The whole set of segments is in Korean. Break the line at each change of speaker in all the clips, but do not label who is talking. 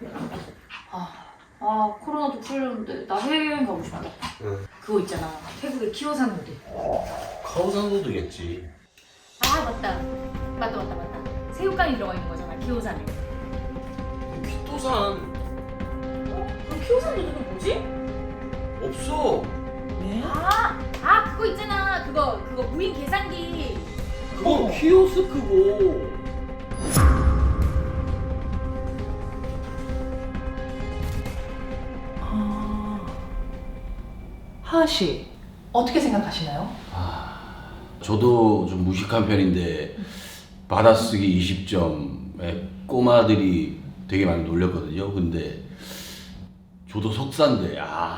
코로나도 풀렸는데 나 해외여행 가고 싶다.
응.
그거 있잖아, 태국의 키오산 누들.
카오산 노드겠지.
아 맞다. 새우깡이 들어가 있는 거잖아, 키오산에.
귓도산
그럼 키오산 누들은 뭐지?
없어.
네?
그거 있잖아. 그거 무인 계산기.
그건 키오스크고.
하하 씨, 어떻게 생각하시나요?
저도 좀 무식한 편인데 받아쓰기 20점에 꼬마들이 되게 많이 놀렸거든요. 근데 저도 석사인데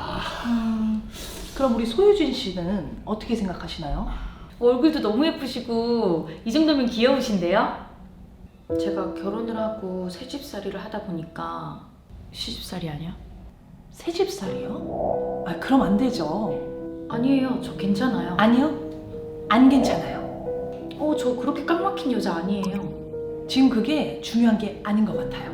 그럼 우리 소유진 씨는 어떻게 생각하시나요?
얼굴도 너무 예쁘시고 이 정도면 귀여우신데요? 제가 결혼을 하고 새집살이를 하다 보니까 시집살이 아니야?
새집살이요? 그럼 안 되죠.
아니에요. 저 괜찮아요.
아니요, 안 괜찮아요.
저 그렇게 깡 막힌 여자 아니에요.
지금 그게 중요한 게 아닌 것 같아요.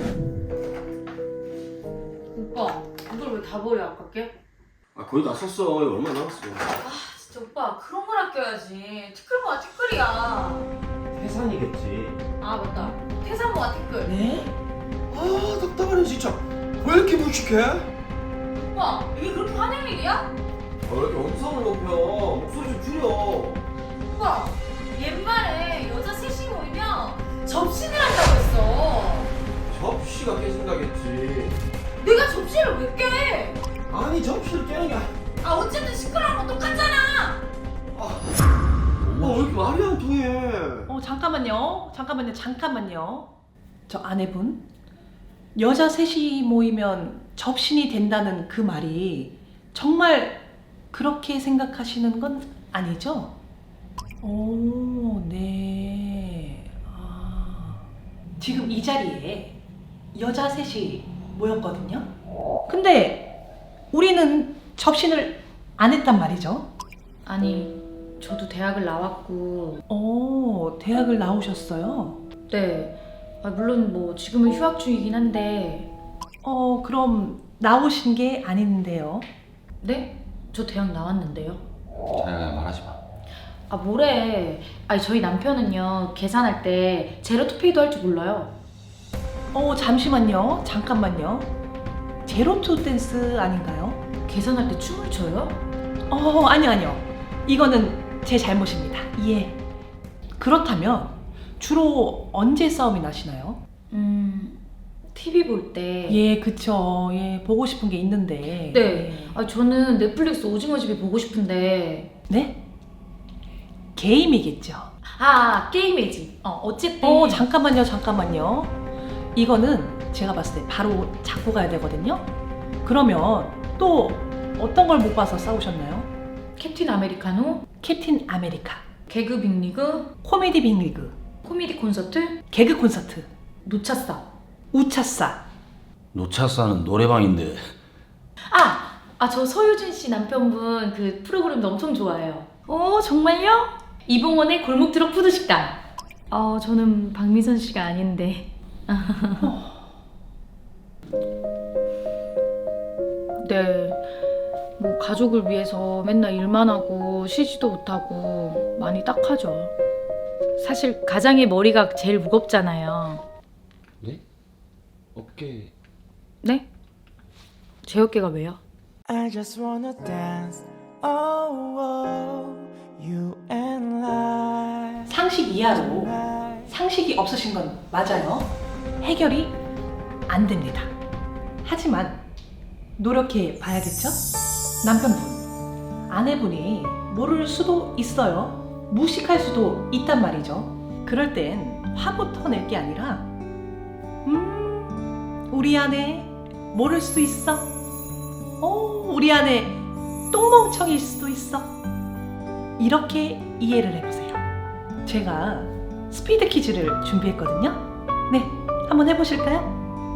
오빠, 이걸 왜 다 버려, 아깝게?
거의 다 썼어. 얼마 남았어?
진짜 오빠, 그런 걸 아껴야지. 티끌모아 티끌이야.
해산이겠지.
맞다. 태산모아 티끌.
네?
답답하네 진짜. 왜 이렇게 무식해?
오빠, 이게 그렇게 화낼 일이야?
왜 이렇게 음성을 높여? 목소리 좀 줄여.
오빠, 옛말에 여자 셋이 모이면 접신을 한다고 했어.
접시가 깨진다겠지.
내가 접시를 왜 깨?
아니 접시를 깨는 게
어쨌든 시끄러운 건 똑같잖아.
왜 이렇게 말이 안 통해?
잠깐만요. 저 아내분, 여자 셋이 모이면 접신이 된다는 그 말이 정말 그렇게 생각하시는 건 아니죠? 오, 네. 지금 이 자리에 여자 셋이 모였거든요. 근데 우리는 접신을 안 했단 말이죠.
아니, 저도 대학을 나왔고.
오, 대학을 나오셨어요?
네. 물론 뭐 지금은 휴학 중이긴 한데.
그럼 나오신 게 아닌데요.
네? 저 대학 나왔는데요.
자기가 말하지 마.
뭐래. 저희 남편은요, 계산할 때 제로 투페이도 할 줄 몰라요.
잠깐만요. 제로투 댄스 아닌가요?
계산할 때 춤을 춰요?
아니요. 이거는 제 잘못입니다. 예. 그렇다면 주로 언제 싸움이 나시나요?
TV 볼 때.
예, 그쵸. 예, 보고 싶은 게 있는데.
네. 저는 넷플릭스 오징어집이 보고 싶은데.
네? 게임이겠죠.
게임이지. 어쨌든.
잠깐만요. 이거는 제가 봤을 때 바로 잡고 가야 되거든요. 그러면 또 어떤 걸 못 봐서 싸우셨나요?
캡틴 아메리카노,
캡틴 아메리카,
개그 빅리그,
코미디 빅리그,
코미디 콘서트,
개그 콘서트,
노차싸.
우차싸.
노차사는 노래방인데.
저 서유진 씨 남편분 그 프로그램도 엄청 좋아해요. 정말요? 이봉원의 골목 트럭 푸드 식당. 저는 박미선 씨가 아닌데. 네. 뭐 가족을 위해서 맨날 일만 하고 쉬지도 못하고 많이 딱하죠. 사실 가장의 머리가 제일 무겁잖아요.
네? 어깨.
네? 제 어깨가 왜요?
I just wanna dance, oh, you and I.
상식 이하로 상식이 없으신 건 맞아요. 해결이 안 됩니다. 하지만 노력해 봐야겠죠? 남편분, 아내분이 모를 수도 있어요. 무식할 수도 있단 말이죠. 그럴 땐 화부터 낼 게 아니라 우리 아내 모를 수도 있어. 우리 아내 똥멍청일 수도 있어. 이렇게 이해를 해보세요. 제가 스피드 퀴즈를 준비했거든요. 네, 한번 해보실까요?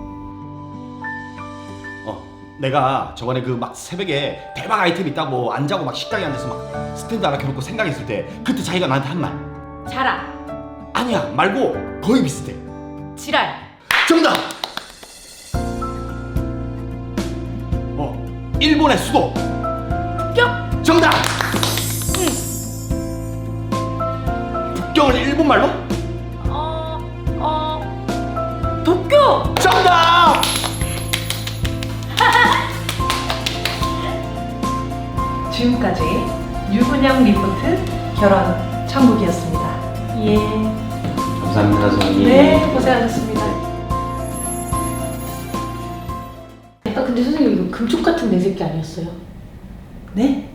내가 저번에 그 막 새벽에 대박 아이템 있다고 안 자고 막 식당에 앉아서 막 스탠드 하나 켜놓고 생각했을 때 그때 자기가 나한테 한 말.
자랑,
아니야 말고 거의 비슷해.
지랄.
정답! 일본의 수도.
북경?
정답. 북경을 일본말로?
도쿄!
정답.
지금까지 유근영 리포트 결혼 천국이었습니다. 예.
감사합니다, 선생님.
네, 고생하셨습니다.
근데 선생님 이거 금쪽 같은 내 새끼 아니었어요?
네?